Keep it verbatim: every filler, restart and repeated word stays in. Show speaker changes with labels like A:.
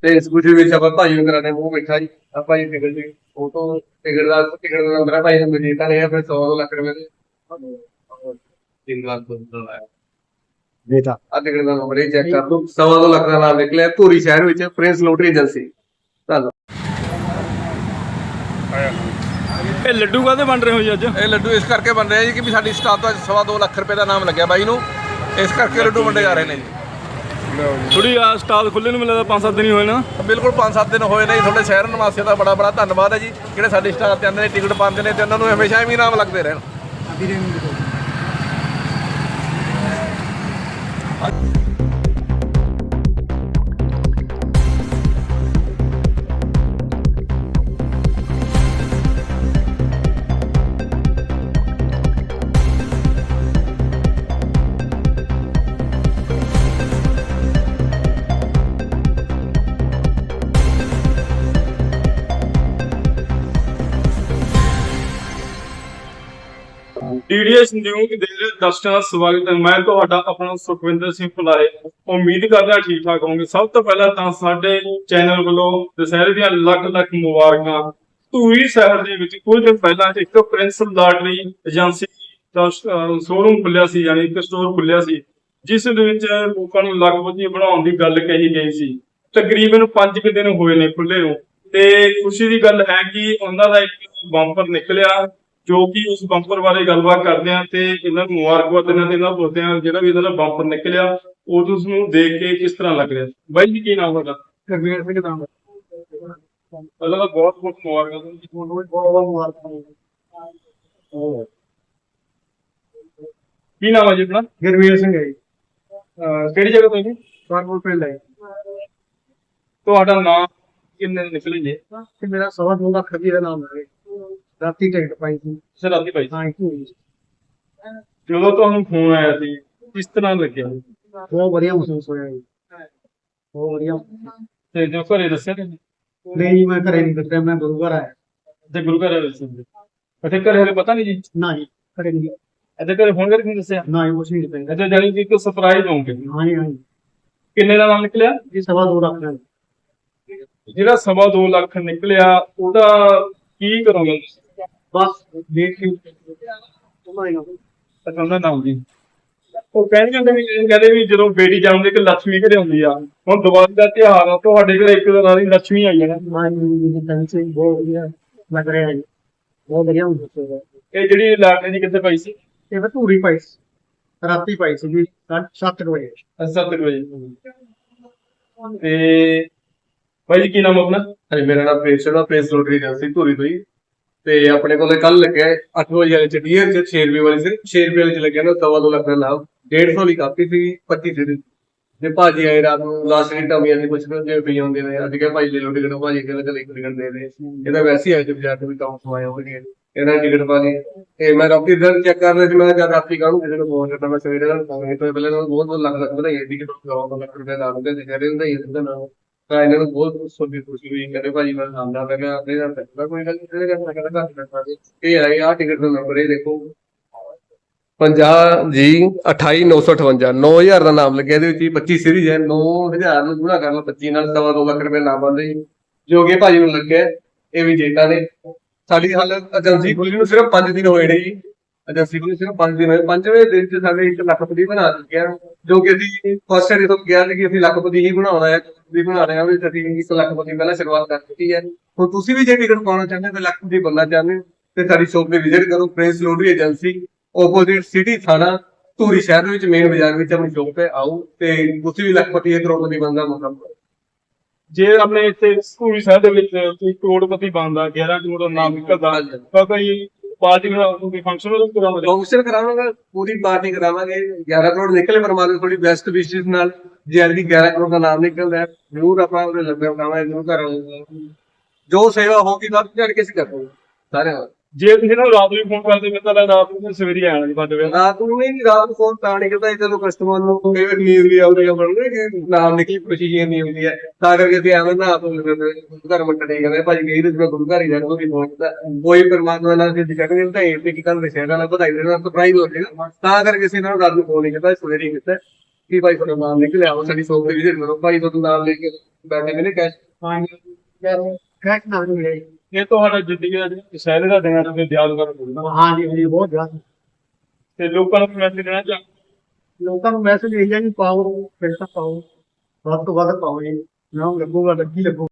A: ਤੇ ਸਕੂਟਰੀ ਵਿੱਚ ਆਪਾਂ ਭਾਈ ਨੂੰ ਕਰਾਣੇ ਮੂੰਹ ਮਿੱਠਾ ਜੀ ਆਪਾਂ ਜੀ ਟਿਕਟ ਜੀ ਉਹ ਤੋਂ ਟਿਕਟ ਦਾ ਟਿਕਟ ਦਾ ਨੰਬਰ ਭਾਈ ਨੇ ਮੈਨੂੰ ਤਾਂ ਨਹੀਂ ਫਿਰ ਸੌ ਲੱਖ ਰੁਪਏ ਦੇ ਤਿੰਨ ਲੱਖ ਤੋਂ ਆਇਆ
B: ਬੇਟਾ
A: ਆ ਟਿਕਟ ਦਾ ਨੰਬਰ ਇਹ ਚੈੱਕ ਕਰ ਲਓ ਸਵਾ ਦੋ ਲੱਖ ਦਾ ਨਾਮ ਨਿਕਲਿਆ ਧੂਰੀ ਸ਼ਹਿਰ ਵਿੱਚ ਪ੍ਰਿੰਸ ਲੋਟਰੀ ਏਜੰਸੀ। ਧੰਨਵਾਦ।
C: ਇਹ ਲੱਡੂ ਕਾਹਦੇ ਬਣ ਰਹੇ ਹੋ ਜੀ ਅੱਜ?
D: ਇਹ ਲੱਡੂ ਇਸ ਕਰਕੇ ਬਣ ਰਹੇ ਜੀ ਕਿ ਵੀ ਸਾਡੀ ਸਟਾਫ ਦਾ ਸਵਾ ਦੋ ਲੱਖ ਰੁਪਏ ਦਾ ਨਾਮ ਲੱਗਿਆ ਬਾਈ ਨੂੰ, ਇਸ ਕਰਕੇ ਲੱਡੂ ਵੰਡੇ ਜਾ ਰਹੇ ਨੇ ਜੀ।
C: ਥੋੜੀ ਆ ਸਟਾਲ ਖੁੱਲੇ ਨੂੰ ਮਿਲਦਾ ਪੰਜ ਸੱਤ ਦਿਨ ਹੀ ਹੋਏ ਨਾ।
D: ਬਿਲਕੁਲ ਪੰਜ ਸੱਤ ਦਿਨ ਹੋਏ ਨੇ ਜੀ। ਤੁਹਾਡੇ ਸ਼ਹਿਰ ਨਿਵਾਸੀਆਂ ਦਾ ਬੜਾ ਬੜਾ ਧੰਨਵਾਦ ਹੈ ਜੀ, ਜਿਹੜੇ ਸਾਡੀ ਸਟਾਫ ਤੇ ਆਉਂਦੇ ਨੇ, ਟਿਕਟ ਪਾਉਂਦੇ ਨੇ ਤੇ ਉਹਨਾਂ ਨੂੰ ਹਮੇਸ਼ਾ ਹੀ ਇਨਾਮ ਲੱਗਦੇ ਰਹਿਣ।
C: ਡੀਡੀਐਸ ਨਿਊਜ਼ ਦੇ ਦਰਸ਼ਕਾਂ ਦਾ ਸਵਾਗਤ ਹੈ। ਮੈਂ ਤੁਹਾਡਾ ਆਪਣਾ ਸੁਖਵਿੰਦਰ ਸਿੰਘ ਭੁਲਾਏ। ਉਮੀਦ ਕਰਦਾ ਠੀਕ ਠਾਕ ਹੋਵੋਗੇ। ਸਭ ਤੋਂ ਪਹਿਲਾਂ ਤਾਂ ਸਾਡੇ ਚੈਨਲ ਵੱਲੋਂ ਦੁਸਹਿਰੇ ਦੀਆਂ ਲੱਖ ਲੱਖ ਮੁਬਾਰਕਾਂ। ਧੂਰੀ ਸ਼ਹਿਰ ਦੇ ਵਿੱਚ ਕੁਝ ਦਿਨ ਪਹਿਲਾਂ ਇੱਕ ਪ੍ਰਿੰਸ ਲਾਟਰੀ ਏਜੰਸੀ ਦਾ ਸ਼ੋਰੂਮ ਖੁੱਲਿਆ ਸੀ, ਯਾਨੀ ਇੱਕ ਸਟੋਰ ਖੁੱਲਿਆ ਸੀ, ਜਿਸ ਦੇ ਵਿੱਚ ਲੋਕਾਂ ਨੂੰ ਲੱਖਪਤੀ ਬਣਾਉਣ ਦੀ ਗੱਲ ਕਹੀ ਗਈ ਸੀ। ਤਕਰੀਬਨ ਪੰਜ ਕੁ ਦਿਨ ਹੋਏ ਨੇ ਖੁੱਲੇ ਨੂੰ, ਤੇ ਖੁਸ਼ੀ ਦੀ ਗੱਲ ਹੈ ਕਿ ਉਹਨਾਂ ਦਾ ਇੱਕ ਬੰਪਰ ਨਿਕਲਿਆ, ਜੋ ਕਿ ਉਸ ਬੰਪਰ ਬਾਰੇ ਗੱਲਬਾਤ ਕਰਦੇ ਆ ਤੇ ਇਹਨਾਂ ਨੂੰ ਮੁਬਾਰਕਬਾਦ ਦਿੰਦੇ ਤੇ ਇਹਨਾਂ ਪੁੱਛਦੇ ਆ ਜਿਹੜਾ ਵੀ ਇਹਨਾਂ ਦਾ ਬੰਪਰ ਨਿਕਲਿਆ ਉਹ ਉਸ ਨੂੰ ਦੇਖ ਕੇ ਕਿਸ ਤਰ੍ਹਾਂ ਲੱਗ ਰਿਹਾ। ਬਾਈ ਜੀ ਕੀ ਨਾਮ ਤੁਹਾਡਾ?
B: ਗੁਰਵੀਰ ਸਿੰਘ ਨਾਮ
C: ਪਹਿਲਾਂ ਤਾਂ ਬਹੁਤ ਬਹੁਤ ਮੁਬਾਰਕਾਂ ਜੀ।
B: ਤੁਹਾਨੂੰ ਵੀ ਬਹੁਤ ਬਹੁਤ ਮੁਬਾਰਕਾਂ।
C: ਕੀ ਨਾਮ ਹੈ ਜੀ ਆਪਣਾ?
B: ਗੁਰਵੀਰ ਸਿੰਘ ਹੈ ਜੀ,
C: ਅਹ ਕਿਹੜੀ ਜਗ੍ਹਾ ਤੋਂ ਜੀ?
B: ਕਾਨਪੁਰ ਪਿੰਡ ਹੈ।
C: ਤੁਹਾਡਾ ਨਾਮ ਕਿੰਨੇ ਨਿਕਲੇ ਜੀ?
B: ਤੇ ਮੇਰਾ ਸਵਾ ਦੋ ਲੱਖ ਰੁਪਏ ਦਾ ਨਾਮ ਹੈ। ਰਾਤੀ ਟਿਕਟ ਪਾਈ ਸੀ।
C: ਸਰ ਰਾਤੀ ਭਾਈ
B: ਹਾਂ ਜੀ,
C: ਜਦੋਂ ਤੁਹਾਨੂੰ ਫੋਨ ਆਇਆ ਸੀ ਕਿਸ ਤਰ੍ਹਾਂ ਲੱਗਿਆ?
B: ਬਹੁਤ ਵਧੀਆ ਮਹਿਸੂਸ ਹੋਇਆ ਜੀ, ਬਹੁਤ ਵਧੀਆ।
C: ਤੇ ਜੋ ਘਰੇ ਦੱਸਿਆ ਤੁਸੀਂ?
B: ਨਹੀਂ ਜੀ, ਮੈਂ ਘਰੇ ਨਹੀਂ ਦੱਸਿਆ, ਮੈਂ ਗੁਰੂ ਘਰ ਆਇਆ।
C: ਤੇ ਗੁਰੂ ਘਰ ਦੱਸਿਆ ਅੱਛਾ, ਘਰੇ ਹਲੇ ਪਤਾ ਨਹੀਂ ਜੀ?
B: ਨਾ ਜੀ, ਘਰੇ ਨਹੀਂ।
C: ਇੱਥੇ ਘਰੇ ਫੋਨ ਕਰਕੇ ਨਹੀਂ ਦੱਸਿਆ?
B: ਨਾ ਜੀ, ਕੁਛ ਨਹੀਂ ਦੱਸਿਆ।
C: ਅੱਛਾ, ਜਾਨੀ ਕਿ ਇੱਕ ਸਰਪ੍ਰਾਈਜ਼ ਹੋਊਗੇ।
B: ਹਾਂ ਜੀ, ਹਾਂ ਜੀ।
C: ਕਿੰਨੇ ਦਾ ਨਾਮ ਨਿਕਲਿਆ?
B: ਜੀ ਸਵਾ ਦੋ ਲੱਖ ਦਾ।
C: ਜਿਹੜਾ ਸਵਾ ਦੋ ਲੱਖ ਨਿਕਲਿਆ ਉਹਦਾ ਕੀ ਕਰੋਗੇ?
B: ਬਸ ਦੇਖ ਕੇ
C: ਅੱਛਾ, ਉਹਦਾ ਨਾਮ ਜੀ ਉਹ ਕਹਿੰਦੇ ਜਾਂਦੇ ਵੀ ਕਹਿੰਦੇ ਵੀ ਜਦੋਂ ਬੇਟੀ ਜੰਮਦੀ ਕਿ ਲక్ష్ਮੀ ਘਰੇ ਆਉਂਦੀ ਆ। ਹੁਣ ਦੀਵਾਲੀ ਦਾ ਤਿਉਹਾਰ ਆ, ਤੁਹਾਡੇ ਘਰੇ ਇੱਕ ਦਿਨ ਆਲੀ ਲక్ష్ਮੀ ਆਈ ਹੈ ਨਾ।
B: ਹਾਂ ਜੀ, ਜੀ ਬਹੁਤ ਵਧੀਆ ਲੱਗ ਰਿਹਾ ਜੀ, ਬਹੁਤ ਵਧੀਆ ਮਹਿਸੂਸ ਹੋ ਰਿਹਾ।
C: ਇਹ ਜਿਹੜੀ ਲਾਟਰੀ ਦੀ ਕਿੱਥੇ ਪਾਈ ਸੀ?
B: ਇਹ ਮੈਂ ਧੂਰੀ ਪਾਈ ਸੀ, ਰਾਤੀ ਪਾਈ ਸੀ ਜੀ ਸੱਤ ਵਜੇ।
C: ਸੱਤ ਵਜੇ। ਤੇ ਭਾਈ ਜੀ ਕੀ ਨਾਮ ਆਪਣਾ?
A: ਹਾਂਜੀ, ਮੇਰਾ ਨਾਮ ਪ੍ਰਿੰਸ ਹੈ, ਪ੍ਰਿੰਸ ਲੋਟਰੀ ਏਜੰਸੀ ਧੂਰੀ ਤੋਂ ਜੀ। ਤੇ ਆਪਣੇ ਕੋਲੇ ਕੱਲ ਲੱਗਿਆ ਅੱਠ ਵਜੇ ਵਾਲੇ ਚ ਡੀਅਰ ਚ ਛੇ ਰੁਪਏ ਵਾਲੇ ਸੀ, ਛੇ ਰੁਪਏ ਵਾਲੇ ਚ ਲੱਗਿਆ ਨਾ ਸਵਾ ਦੋ ਲੱਖ ਦਾ ਨਾਮ। ਡੇਢ ਸੌ ਦੀ ਕਾਪੀ ਸੀ, ਪੱਚੀ ਸੀ ਜੇ ਭਾਜੀ ਆਏ ਰਾਤ ਨੂੰ ਲਾਸਟ ਡੀਟ ਆਉਂਦੀਆਂ ਸੀ, ਕੁਛ ਜਿਵੇਂ ਪਈ ਹੁੰਦੇ ਨੇ। ਅੱਜ ਕਿਹਾ ਭਾਈ ਲੈ ਲਓ ਟਿਕਟ, ਭਾਜੀ ਕਹਿੰਦਾ ਚਲ ਇੱਕ ਟਿਕਟ ਦੇ ਦੇ। ਇਹਦਾ ਵੈਸੇ ਹੀ ਆਏ ਤੇ ਬਾਜ਼ਾਰ ਤੋਂ ਵੀ ਕੰਮ ਸਵਾਇਆ ਹੋਣਗੇ, ਇਹਨਾਂ ਟਿਕਟ ਪਾ ਲਈ। ਤੇ ਮੈਂ ਰਾਤੀ ਰਿਜ਼ਲਟ ਚੈੱਕ ਕਰ ਰਿਹਾ ਸੀ, ਮੈਂ ਜਦ ਰਾਤੀ ਕਾਹਨੂੰ ਕਿਸੇ ਨੂੰ ਫੋਨ ਕਰਦਾ, ਮੈਂ ਸਵੇਰੇ ਨਾਲ ਫੋਨ ਤੋਂ ਪਹਿਲਾਂ ਬਹੁਤ ਬਹੁਤ ਲੱਖ ਲੱਖ ਵਧਾਈ ਟਿਕਟ ਸਵਾ ਦੋ ਲੱਖ ਰੁਪਏ ਲਾ ਲੂਗੇ ਤੇ ਕਹਿੰਦੇ ਵਧਾਈ ਇਹਦਾ ਨਾਮ। ਤਾਂ ਇਹਨਾਂ ਨੂੰ ਬਹੁਤ ਸੋਚੀ ਖੁਸ਼ੀ ਹੋਈ, ਕਹਿੰਦੇ ਭਾਜੀ ਮੈਂ ਆਉਂਦਾ ਮੈਂ ਕਿਹਾ ਆਪਣੇ ਨਾਲ ਪੈਸਾ ਕੋਈ ਗੱਲ ਨਹੀਂ ਕਰਨਾ, ਕਹਿੰਦਾ ਘੱਟ ਪੈਸਾ ਦੇ। ਇਹ ਆਏ ਆਹ ਟਿਕਟ ਦਾ ਨੰਬਰ ਇਹ ਦੇਖੋ ਪੰਜਾਹ ਜੀ ਅਠਾਈ ਨੌ ਸੌ ਅਠਵੰਜਾ, ਨੌ ਹਜ਼ਾਰ ਦਾ ਨਾਮ ਲੱਗਿਆ। ਇਹਦੇ ਵਿੱਚ ਪੱਚੀ ਸੀਰੀਜ਼ ਹੈ, ਨੌ ਹਜ਼ਾਰ ਨੂੰ ਗੁਣਾ ਕਰ ਲਓ ਪੱਚੀ ਨਾਲ, ਸਵਾ ਦੋ ਲੱਖ ਰੁਪਏ ਨਾਮ ਬਣਦੇ ਜੀ, ਜੋ ਕਿ ਭਾਜੀ ਨੂੰ ਲੱਗਿਆ। ਇਹ ਵੀ ਜੇਤਾ ਨੇ। ਸਾਡੀ ਹਾਲਤ ਏਜੰਸੀ ਖੁੱਲੀ ਨੂੰ ਸਿਰਫ ਪੰਜ ਦਿਨ ਹੋਏ ਨੇ ਜੀ, ਏਜੰਸੀ ਖੁੱਲੀ ਸਿਰਫ ਪੰਜ ਦਿਨ ਹੋਏ। ਪੰਜਵੇਂ ਦਿਨ ਚ ਸਾਡੇ ਇੱਕ ਲੱਖਪਤੀ ਬਣਾ ਚੁੱਕਿਆ, ਜੋ ਕਿ ਅਸੀਂ ਫਸਟ ਏਡ ਤੋਂ ਕਿਹਾ ਸੀ ਕਿ ਅਸੀਂ ਲੱਖਪਤੀ ਹੀ ਬਣਾਉਣਾ ਹੈ, ਵੀ ਬਣਾ ਰਹੇ ਹਾਂ ਵੀ ਅਸੀਂ ਇੱਕ ਲੱਖਪਤੀ ਪਹਿਲਾਂ ਸ਼ੁਰੂਆਤ ਕਰ ਦਿੱਤੀ ਹੈ। ਹੁਣ ਤੁਸੀਂ ਵੀ ਜੇ ਟਿਕਟ ਪਾਉਣਾ ਚਾਹੁੰਦੇ ਹੋ, ਲੱਖਪਤੀ ਬਣਨਾ ਚਾਹੁੰਦੇ ਹੋ ਤੇ ਸਾਡੀ ਸ਼ੋਪ ਤੇ ਵਿਜ਼ਿਟ ਕਰੋ, prince lottery agency, opposite city ਥਾਣਾ, ਧੂਰੀ ਸ਼ਹਿਰ ਵਿੱਚ ਮੇਨ ਬਾਜ਼ਾਰ ਵਿੱਚ ਆਪਣੀ ਸ਼ੋਪ ਤੇ ਆਓ ਤੇ ਤੁਸੀਂ ਵੀ ਲੱਖਪਤੀ ਕਰੋੜਪਤੀ ਬਣਦਾ ਮੌਕਾ।
C: ਜੇ ਆਪਣੇ ਇੱਥੇ ਧੂਰੀ ਸ਼ਹਿਰ ਦੇ ਵਿੱਚ ਕੋਈ ਕਰੋੜਪਤੀ ਬਣਦਾ, ਗਿਆਰਾਂ ਕਰੋੜ ਦਾ ਨਾਮ ਨਿਕਲਦਾ, ਤਾਂ ਕੋਈ ਪਾਰਟੀ ਕੋਈ ਫੰਕਸ਼ਨ ਕਰਾਵਾਂਗੇ?
A: ਫੰਕਸ਼ਨ ਕਰਾਵਾਂਗੇ, ਪੂਰੀ ਪਾਰਟੀ ਕਰਾਵਾਂਗੇ। ਗਿਆਰਾਂ ਕਰੋੜ ਨਿਕਲੇ ਪਰਮਾਤਮਾ ਥੋੜੀ ਬੈਸਟ ਵਿਸ਼ੇਸ ਨਾਲ। ਜੇ ਐਲਡੀ ਗਿਆਰਾਂ ਕਰੋੜ ਦਾ ਨਾਮ ਨਿਕਲਦਾ ਜ਼ਰੂਰ ਆਪਾਂ ਉਹਦੇ ਲੰਗਰ ਬਣਾਵਾਂਗੇ, ਜ਼ਰੂਰ ਕਰਾਂਗੇ। ਜੋ ਸੇਵਾ ਹੋਗੀ ਤਾਂ ਝੜ ਕੇ ਅਸੀਂ ਕਰਾਂਗੇ ਸਾਰਿਆਂ ਨਾਲ।
C: ਜੇ ਤੁਸੀਂ ਨਾ ਰਾਤ ਨੂੰ ਫੋਨ ਕਰਦੇ ਮੈਂ ਤਾਂ ਰਾਤ ਨੂੰ ਸਵੇਰੇ ਆਣਾ ਜੀ ਸਾਡੇ ਵੇਲੇ।
A: ਰਾਤ ਨੂੰ ਨਹੀਂ, ਰਾਤ ਨੂੰ ਫੋਨ ਤਾਂ ਨਹੀਂ ਕਰਦਾ, ਜਦੋਂ ਕਸਟਮਰ ਨੂੰ ਕਈ ਵਾਰ ਨੀਂਦ ਵੀ ਆਉਂਦੀ ਹੈ, ਬਣਦੇ ਕਿ ਨਾਮ ਨਿਕਲੀ ਖੁਸ਼ੀ ਜੀ ਨਹੀਂ ਹੁੰਦੀ ਹੈ, ਤਾਂ ਕਰਕੇ ਅਸੀਂ ਐਵੇਂ ਨਾ ਆਪ ਘਰ ਮੰਟੇ ਨਹੀਂ ਕਹਿੰਦੇ ਭਾਜੀ ਕਹੀ ਤੇ ਗੁਰੂ ਘਰ ਹੀ ਜਾਣਾ ਕੋਈ ਫੋਨ ਕੀਤਾ ਕੋਈ ਪਰਮਾਤਮਾ ਨਾਲ ਅਸੀਂ ਕਹਿੰਦੇ ਤਾਂ ਇਹ ਕਿ ਕੱਲ ਸ਼ਹਿਰਾਂ ਨਾਲ ਵਧਾਈ ਦੇਣਾ ਸਰਪ੍ਰਾਈਜ਼ ਹੋ ਜਾਏਗਾ, ਤਾਂ ਕਰਕੇ ਅਸੀਂ ਇਹਨਾਂ ਨੂੰ ਰਾਤ ਨੂੰ ਫੋਨ ਨਹੀਂ ਕੀਤਾ, ਸਵੇਰੇ ਹੀ ਕੀਤਾ। ਕਿ ਭਾਈ ਤੁਹਾਡਾ ਨਾਮ ਨਿਕਲਿਆ ਉਹ ਸਾਡੀ ਸ਼ੋਪ ਤੇ ਵਿਜ਼ਿਟ ਕਰੋ ਭਾਈ ਤੁਹਾਡਾ ਨਾਮ ਲੈ ਕੇ ਬੈਠੇ ਨੇ ਕੈਸ਼
C: ਹਾਂਜੀ
B: ਯਾਰ ਕੈਟ ਨਾ ਮਿਲੇ
C: ਇਹ ਤੁਹਾਡਾ ਜ਼ਿੰਦਗੀ ਦਾ ਦੁਸਹਿਰੇ ਦਾ ਦਿਨ ਤੁਸੀਂ ਯਾਦਗਾਰ ਹੋਊਗਾ
B: ਹਾਂ ਜੀ ਜੀ ਬਹੁਤ ਜ਼ਿਆਦਾ
C: ਤੇ ਲੋਕਾਂ ਨੂੰ ਮੈਸੇਜ ਦੇਣਾ ਚਾਹੁੰਦਾ
B: ਲੋਕਾਂ ਨੂੰ ਮੈਸੇਜ ਇਹ ਹੈ ਕਿ ਪਾਓ ਪੈਸਾ ਪਾਓ ਵੱਧ ਤੋਂ ਵੱਧ ਪਾਓ ਜੀ ਨਾ ਲੱਗੂਗਾ ਲੱਗੀ ਲੱਗੂ